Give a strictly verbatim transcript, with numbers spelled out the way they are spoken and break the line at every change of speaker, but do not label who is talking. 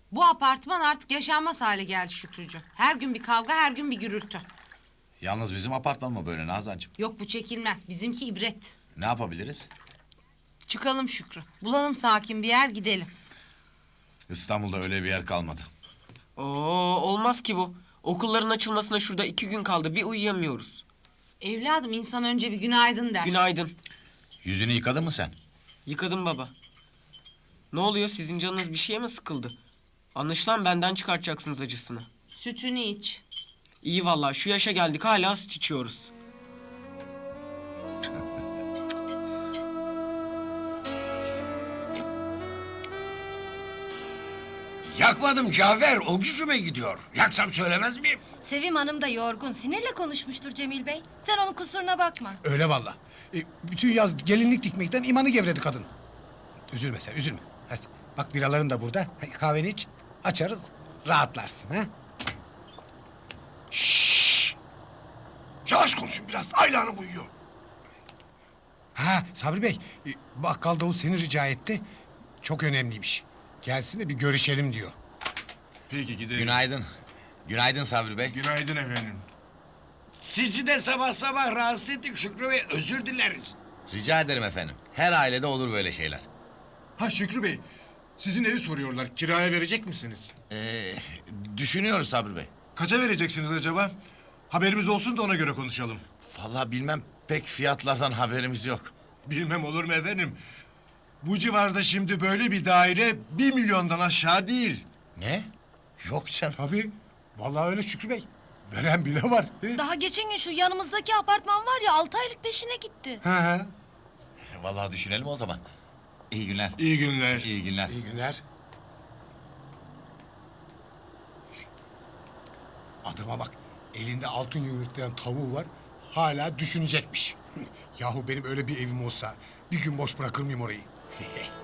Bu apartman artık yaşanmaz hale geldi Şükrücüğüm. Her gün bir kavga, her gün bir gürültü.
Yalnız bizim apartman mı böyle Nazancığım?
Yok bu çekilmez. Bizimki ibret.
Ne yapabiliriz?
Çıkalım Şükrü. Bulalım sakin bir yer gidelim.
İstanbul'da öyle bir yer kalmadı.
Oo, olmaz ki bu. Okulların açılmasına şurada iki gün kaldı. Bir uyuyamıyoruz.
Evladım insan önce bir günaydın der.
Günaydın.
Yüzünü yıkadın mı sen?
Yıkadım baba. Ne oluyor? Sizin canınız bir şeye mi sıkıldı? Anlaşılan benden çıkartacaksınız acısını.
Sütünü iç.
İyi vallahi şu yaşa geldik hala süt içiyoruz.
Yakmadım Cafer, o gücüme gidiyor. Yaksam söylemez miyim?
Sevim Hanım da yorgun, sinirle konuşmuştur Cemil Bey. Sen onun kusuruna bakma.
Öyle valla. E, bütün yaz gelinlik dikmekten imanı gevredi kadın. Üzülme sen, üzülme. Hadi bak biraların da burada. Hadi kahveni iç, açarız, rahatlarsın. Ha?
Yavaş konuşun biraz, Ayla Hanım uyuyor.
Ha Sabri Bey, e, bakkal Davut seni rica etti. Çok önemliymiş. Gelsin de bir görüşelim diyor.
Peki gidelim.
Günaydın. Günaydın Sabri Bey.
Günaydın efendim.
Sizi de sabah sabah rahatsız ettik Şükrü Bey, özür dileriz.
Rica ederim efendim. Her ailede olur böyle şeyler.
Ha Şükrü Bey, sizin evi soruyorlar. Kiraya verecek misiniz?
Ee, düşünüyoruz Sabri Bey.
Kaça vereceksiniz acaba? Haberimiz olsun da ona göre konuşalım.
Vallahi bilmem, pek fiyatlardan haberimiz yok.
Bilmem olur mu efendim? Bu civarda şimdi böyle bir daire bir milyondan aşağı değil.
Ne? Yok canım.
Tabii, vallahi öyle Şükrü Bey. Veren bile var. He?
Daha geçen gün şu yanımızdaki apartman var ya, altı aylık peşine gitti.
Ha, ha.
Vallahi düşünelim o zaman. İyi günler.
İyi günler.
İyi günler.
İyi günler. Adama bak, elinde altın yumurtlayan tavuğu var. Hala düşünecekmiş. Yahu benim öyle bir evim olsa bir gün boş bırakır mıyım orayı?